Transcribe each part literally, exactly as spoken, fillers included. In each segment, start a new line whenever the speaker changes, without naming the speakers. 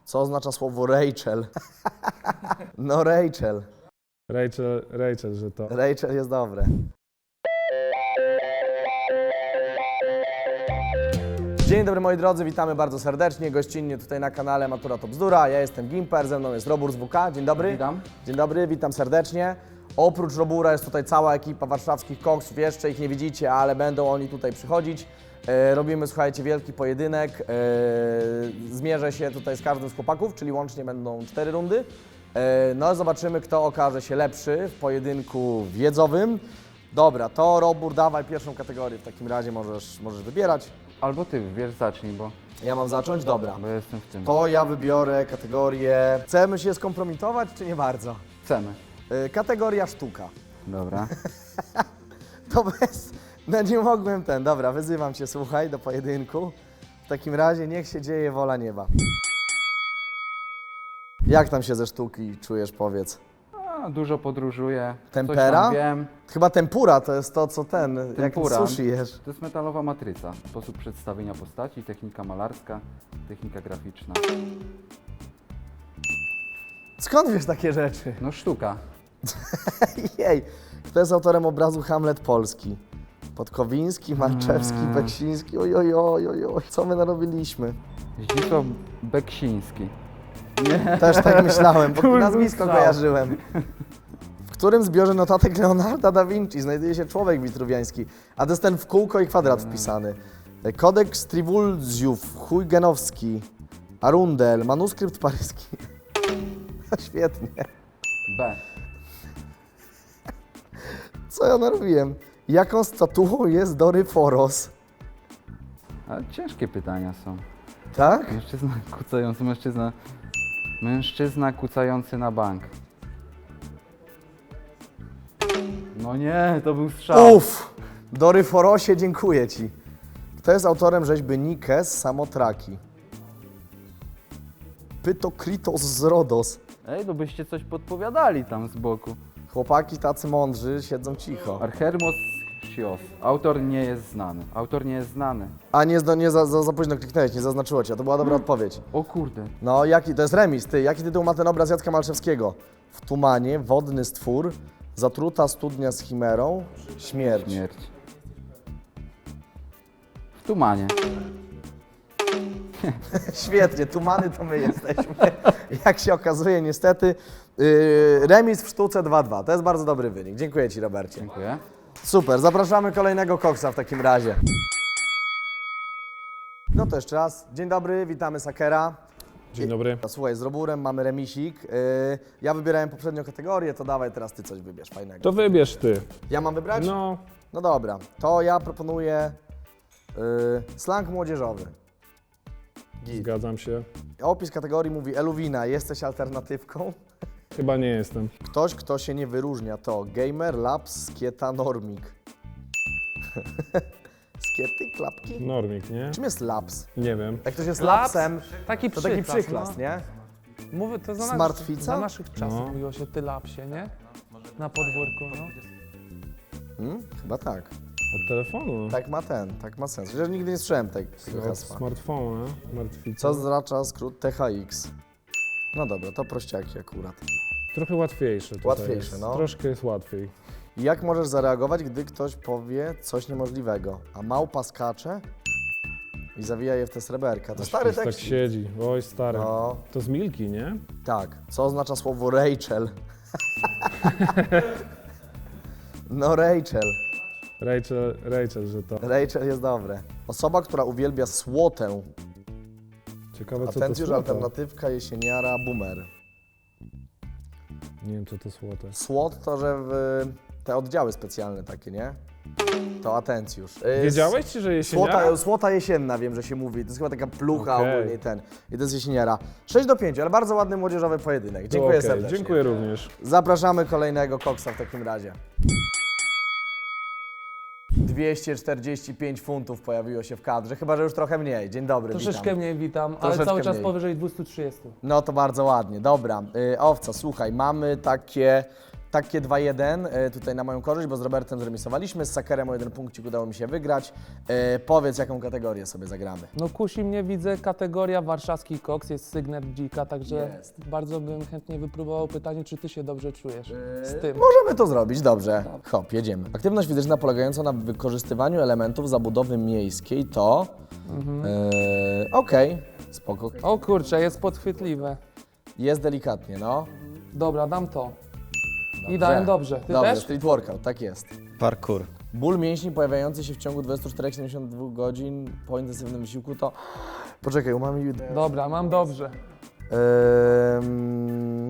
Co oznacza słowo Rachel? No Rachel.
Rachel, Rachel, że to.
Rachel jest dobre. Dzień dobry moi drodzy, witamy bardzo serdecznie, gościnnie tutaj na kanale Matura to Bzdura. Ja jestem Gimper, ze mną jest Robur z W K. Dzień dobry.
Witam.
Dzień dobry, witam serdecznie. Oprócz Robura jest tutaj cała ekipa warszawskich koksów, jeszcze ich nie widzicie, ale będą oni tutaj przychodzić. E, robimy, słuchajcie, wielki pojedynek. E, zmierzę się tutaj z każdym z chłopaków, czyli łącznie będą cztery rundy. E, no zobaczymy, kto okaże się lepszy w pojedynku wiedzowym. Dobra, to Robur, dawaj pierwszą kategorię, w takim razie możesz, możesz wybierać.
Albo ty, wiesz, zacznij, bo,
Ja mam zacząć? Dobra.
bo jestem w tym.
To ja wybiorę kategorię... Chcemy się skompromitować, czy nie bardzo?
Chcemy.
E, kategoria sztuka.
Dobra.
To bez... No nie mogłem ten. Dobra, wyzywam cię, słuchaj, do pojedynku. W takim razie niech się dzieje wola nieba. Jak tam się ze sztuki czujesz, powiedz?
A, dużo podróżuję.
Tempera?
Coś tam wiem.
Chyba tempura to jest to, co ten,
Tempura.
jak sushi jesz.
To jest metalowa matryca. Sposób przedstawienia postaci, technika malarska, technika graficzna.
Skąd wiesz takie rzeczy?
No sztuka.
Jej, kto jest autorem obrazu Hamlet Polski? Podkowiński, Marczewski,
Mm.
Beksiński, oj, oj, oj, oj, oj, co my narobiliśmy?
Zdzisław Beksiński.
Też tak myślałem, bo
Kurde,
nazwisko
strzał.
kojarzyłem. W którym zbiorze notatek Leonarda da Vinci znajduje się człowiek witruwiański? A to jest ten w kółko i kwadrat wpisany. Kodeks Trivulzjów, Huygenowski, Arundel, manuskrypt paryski. Świetnie.
B.
Co ja narobiłem? Jaką statuą jest Doryforos?
A ciężkie pytania są.
Tak?
Mężczyzna kucający, mężczyzna... Mężczyzna kucający na bank. No nie, to był strzał.
Uff! Doryforosie, dziękuję ci. Kto jest autorem rzeźby Nike z Samotraki? Pytokritos z Rodos.
Ej, to byście coś podpowiadali tam z boku.
Chłopaki tacy mądrzy siedzą cicho.
Archermos Chios. Autor nie jest znany. Autor nie jest znany.
A nie, zdo- nie za, za, za późno kliknąłeś, nie zaznaczyło cię, to była dobra odpowiedź.
O kurde.
No, jaki, to jest remis, ty. Jaki tytuł ma ten obraz Jacka Malczewskiego? W tumanie, wodny stwór, zatruta studnia z chimerą, śmierć.
Śmierć. W tumanie.
Świetnie, tumany to my jesteśmy. Jak się okazuje, niestety. Yy, remis w sztuce dwa dwa. To jest bardzo dobry wynik. Dziękuję ci, Robercie.
Dziękuję.
Super, zapraszamy kolejnego koksa w takim razie. No to jeszcze raz. Dzień dobry, witamy Sakera.
Dzień dobry.
Słuchaj, z Roburem mamy remisik. Yy, ja wybierałem poprzednią kategorię, to dawaj teraz ty coś wybierz fajnego.
To wybierz ty.
Ja mam wybrać?
No,
No dobra, to ja proponuję yy, slang młodzieżowy. Git.
zgadzam się.
Opis kategorii mówi: Eluwina, jesteś alternatywką?
Chyba nie jestem.
Ktoś, kto się nie wyróżnia, to gamer, laps, skieta, normik. Skiety, klapki?
Normik, nie?
Czym jest laps?
Nie wiem.
Jak ktoś jest
Laps?
lapsem,
Taki
to taki
przyklas,
przyklas,
no.
nie?
Mówię, to za, nas,
Smartfica?
za naszych czasów
No.
mówiło się ty lapsie, nie? Na podwórku, no.
Hmm? Chyba tak.
Od telefonu.
Tak ma ten, tak ma sens. Chociaż nigdy nie słyszałem te, tego
Od
hasła.
smartfona. Martwica.
Co oznacza skrót T H X? No dobra, to prościaki akurat.
Trochę łatwiejsze tutaj
Łatwiejsze,
jest.
no.
Troszkę jest łatwiej.
Jak możesz zareagować, gdy ktoś powie coś niemożliwego? A małpa skacze i zawija je w te sreberka. To
Aż
stary
pies tak
tekst.
siedzi. Oj, stary.
No,
To z Milki, nie?
tak. Co oznacza słowo Rachel? No Rachel.
Rachel, Rachel, że to.
Rachel jest dobre. Osoba, która uwielbia słotę.
Ciekawe, co to
Atencjusz,
słoto.
alternatywka, jesieniara, boomer.
Nie wiem, co to słote.
Słot to, że w te oddziały specjalne takie, nie? To atencjusz. Y,
Wiedziałeś, czy że jesieniara?
Słota, słota jesienna, wiem, że się mówi. To jest chyba taka plucha
Okej.
ogólnie ten. I to jest jesieniara. sześć do pięciu, ale bardzo ładny młodzieżowy pojedynek.
To
Dziękuję
okej,
serdecznie.
Dziękuję również.
Zapraszamy kolejnego koksa w takim razie. dwieście czterdzieści pięć funtów pojawiło się w kadrze, chyba że już trochę mniej. Dzień dobry,
Troszeczkę
witam.
mniej witam, ale
Troszeczkę
cały czas
mniej.
powyżej dwieście trzydzieści.
No to bardzo ładnie, dobra. Y, owca, słuchaj, mamy takie, takie dwa jeden e, tutaj na moją korzyść, bo z Robertem zremisowaliśmy, z Sakerem o jeden punkcik udało mi się wygrać. E, powiedz, jaką kategorię sobie zagramy.
No kusi mnie, widzę, kategoria warszawski koks, jest sygnet dzika, także
Jest.
bardzo bym chętnie wypróbował pytanie, czy ty się dobrze czujesz z tym.
Możemy to zrobić, dobrze. Hop, jedziemy. Aktywność fizyczna polegająca na wykorzystywaniu elementów zabudowy miejskiej to...
Mhm.
E, Okej, spoko.
O kurczę, jest podchwytliwe.
Jest delikatnie, no.
Dobra, dam to.
Dobrze.
I dałem dobrze. Ty
Dobrze,
też?
street workout, tak jest.
Parkour.
Ból mięśni pojawiający się w ciągu dwudziestu czterech do siedemdziesięciu dwóch godzin po intensywnym wysiłku to... Poczekaj, umami...
Dobra, mam dobrze.
Ym...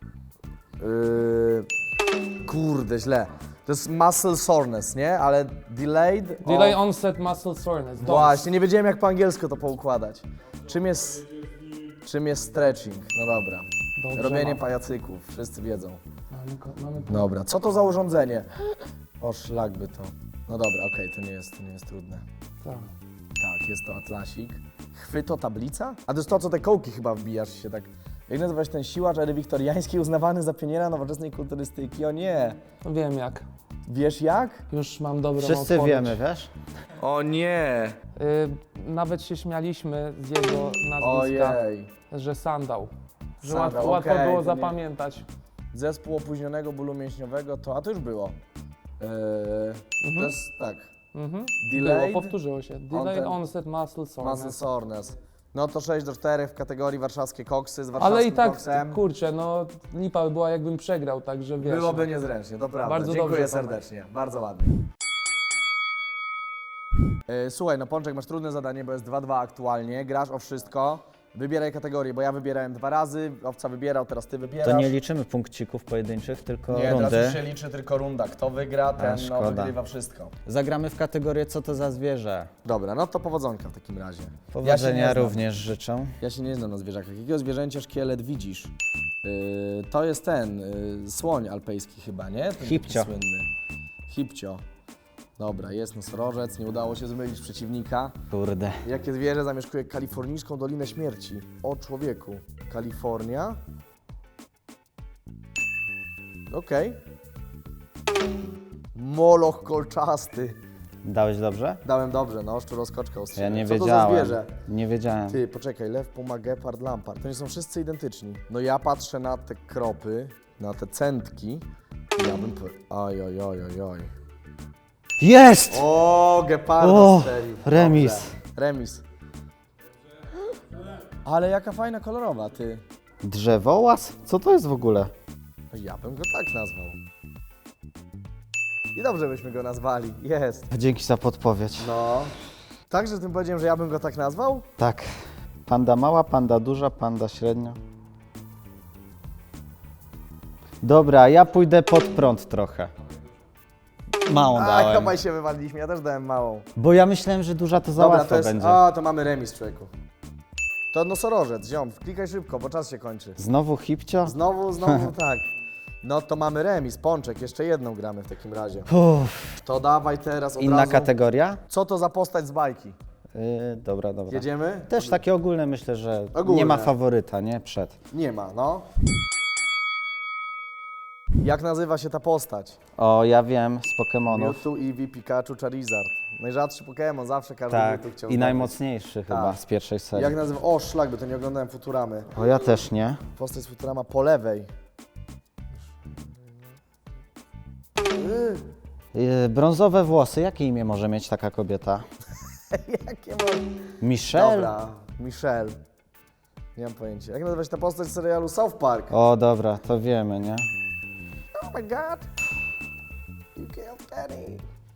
Yy... Kurde, źle. To jest muscle soreness, nie? Ale delayed...
Delay
o-
onset muscle soreness. Dobrze.
Właśnie, nie wiedziałem jak po angielsku to poukładać. Czym jest... Czym jest stretching? No dobra.
Dobrze
Robienie
mam.
pajacyków, wszyscy wiedzą.
Mamy, ko- mamy
Dobra, co to za urządzenie? O, szlak by to. No dobra, okej, to nie jest, to nie jest trudne.
tak.
Tak, jest to atlasik. Chwyto tablica? A to jest to, co te kołki chyba wbijasz się tak. Jak nazywa się ten siłacz ery wiktoriańskiej uznawany za pioniera nowoczesnej kulturystyki? O nie!
Wiem jak.
Wiesz jak?
Już mam dobrą
Wszyscy
odpowiedź.
wiemy, wiesz?
O nie!
Y, nawet się śmialiśmy z jego nazwiska,
Ojej.
że sandał. Że
Sandał,
łatwo, łatwo
okej,
było
to nie-
zapamiętać.
Zespół opóźnionego bólu mięśniowego to... A to już było. Eee, To jest tak.
Mhm.
Delayed
Było, powtórzyło się. Delay
ten-
onset muscle soreness.
muscle soreness. No to sześć do czterech w kategorii warszawskie koksy z warszawskim
Ale i tak,
koksem.
kurczę, no lipa by była jakbym przegrał, także wiesz.
Byłoby niezręcznie, to prawda.
Bardzo
Dziękuję
dobrze, Tomek.
serdecznie, bardzo ładnie. E, Słuchaj, no Pączek, masz trudne zadanie, bo jest dwa dwa aktualnie, grasz o wszystko. Wybieraj kategorię, bo ja wybierałem dwa razy, Owca wybierał, teraz ty wybierasz.
To nie liczymy punkcików pojedynczych, tylko
Nie, teraz
rundy.
już się liczy tylko runda. Kto wygra, ten no,
szkoda.
wygrywa wszystko.
Zagramy w kategorię co to za zwierzę.
Dobra, no to powodzonka w takim razie.
Powodzenia
znam.
również życzę.
Ja się nie znam na zwierzakach. Jakiego zwierzęcia szkielet widzisz? Yy, to jest ten, yy, słoń alpejski chyba, nie? Ten taki
Hipcio.
słynny. Hipcio. Dobra, jest nosorożec, nie udało się zmylić przeciwnika.
Kurde.
Jakie zwierzę zamieszkuje kalifornijską Dolinę Śmierci? O człowieku. Kalifornia. Okej. Moloch kolczasty.
Dałeś dobrze?
Dałem dobrze, no, szczuroskoczka
Ja
ostrzegłem.
nie
Co to za
wiedziałem.
zwierzę?
Nie wiedziałem.
Ty, poczekaj, lew, puma, gepard, lampart. To nie są wszyscy identyczni. No ja patrzę na te kropy, na te centki i ja bym... po- Oj, oj, oj, oj, oj.
Jest!
O, geparda
O,
strzelił.
remis.
Dobrze. Remis. Ale jaka fajna kolorowa, ty.
Drzewołaz? Co to jest w ogóle?
Ja bym go tak nazwał. I dobrze byśmy go nazwali. Jest.
Dzięki za podpowiedź.
No. Także tym powiedziałem, że ja bym go tak nazwał?
Tak. Panda mała, panda duża, panda średnia. Dobra, ja pójdę pod prąd trochę. Małą
A,
dałem.
chyba się wywaliliśmy, ja też dałem małą.
Bo ja myślałem, że duża to za
Dobra,
łatwo
to jest...
będzie.
A, to mamy remis, człowieku. To nosorożec, ziom, klikaj szybko, bo czas się kończy.
Znowu hipcio?
Znowu, znowu, tak. No to mamy remis, Pączek, jeszcze jedną gramy w takim razie.
Uff.
To dawaj teraz od
Inna
razu.
kategoria?
Co to za postać z bajki?
Yy, dobra, dobra.
Jedziemy?
Też takie ogólne myślę, że
Ogólne.
nie ma faworyta, nie? Przed.
Nie ma, no. Jak nazywa się ta postać?
O, ja wiem, z Pokemonów.
Mewtwo, Eevee, Pikachu, Charizard. Najrzadszy Pokémon, zawsze każdy
Tak,
by tu chciał
i
zdobyć.
najmocniejszy chyba z pierwszej serii.
Jak nazywa? O, szlak, by to nie oglądałem Futuramy.
O, ja też nie.
Postać z Futurama po lewej.
Yy, brązowe włosy, jakie imię może mieć taka kobieta?
Jakie ma...
Michelle?
Dobra, Michelle. Nie mam pojęcia. Jak nazywa się ta postać z serialu South Park?
O, dobra, to wiemy, nie?
Oh my god! You killed Danny!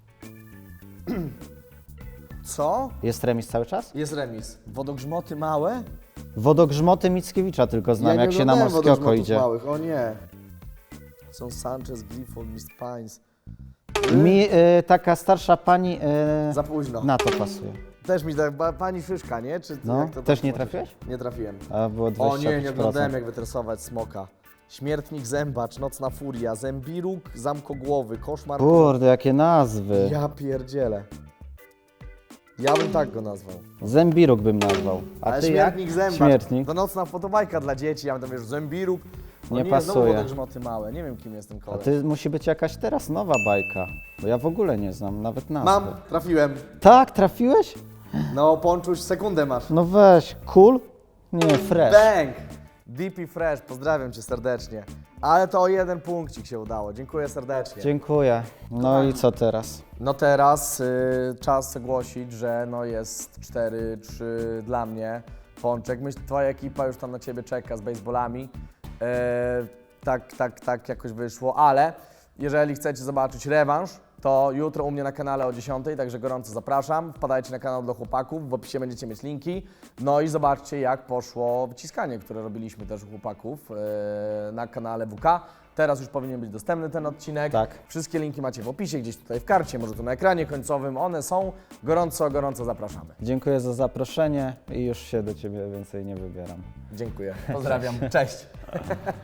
Co?
Jest remis cały czas?
Jest remis. Wodogrzmoty małe?
Wodogrzmoty Mickiewicza tylko znam,
ja
jak
nie
się na
oglądałem
morskie oko
wodogrzmotów
idzie.
małych, o nie. Są Sanchez, Glifold, Miss Pines.
Mi y, taka starsza pani y,
Za późno.
na to pasuje.
Też mi tak, ba- pani Szyszka, nie? Czy
No,
jak to
też
tak
nie
powiedzieć?
trafiłeś?
Nie trafiłem.
A było
O
dwadzieścia
nie,
pięć
nie
procent.
oglądałem jak wytresować smoka. Śmiertnik Zębacz, Nocna Furia, Zębiruk, Zamkogłowy, Koszmar...
Kurde, jakie nazwy.
Ja pierdzielę. Ja bym tak go nazwał.
Zębiruk bym nazwał. A
Ale
ty
śmiertnik
jak?
zębacz.
Śmiertnik.
To nocna fotobajka dla dzieci, ja bym tam wiesz, zębiruk. O
Nie
nie,
pasuje.
Znowu te grzmoty małe, nie wiem kim jest ten
A
koleś.
ty musi być jakaś teraz nowa bajka. Bo ja w ogóle nie znam nawet nazwy.
Mam, trafiłem.
Tak, trafiłeś?
No, Ponczuś, sekundę masz.
No weź, cool? Nie, fresh.
Bang! D P Fresh, pozdrawiam cię serdecznie. Ale to o jeden punkcik się udało, dziękuję serdecznie.
Dziękuję. No i co teraz?
No teraz y, czas ogłosić, że no jest cztery trzy dla mnie. Pączek, myślę, twoja ekipa już tam na ciebie czeka z baseballami. E, tak, tak, tak jakoś wyszło, ale jeżeli chcecie zobaczyć rewanż, to jutro u mnie na kanale o dziesiątej, także gorąco zapraszam. Wpadajcie na kanał dla chłopaków, w opisie będziecie mieć linki. No i zobaczcie, jak poszło wyciskanie, które robiliśmy też u chłopaków e, na kanale W K. Teraz już powinien być dostępny ten odcinek.
Tak.
Wszystkie linki macie w opisie, gdzieś tutaj w karcie, może tu na ekranie końcowym. One są. Gorąco, gorąco zapraszamy.
Dziękuję za zaproszenie i już się do Ciebie więcej nie wybieram.
Dziękuję. Pozdrawiam. Cześć.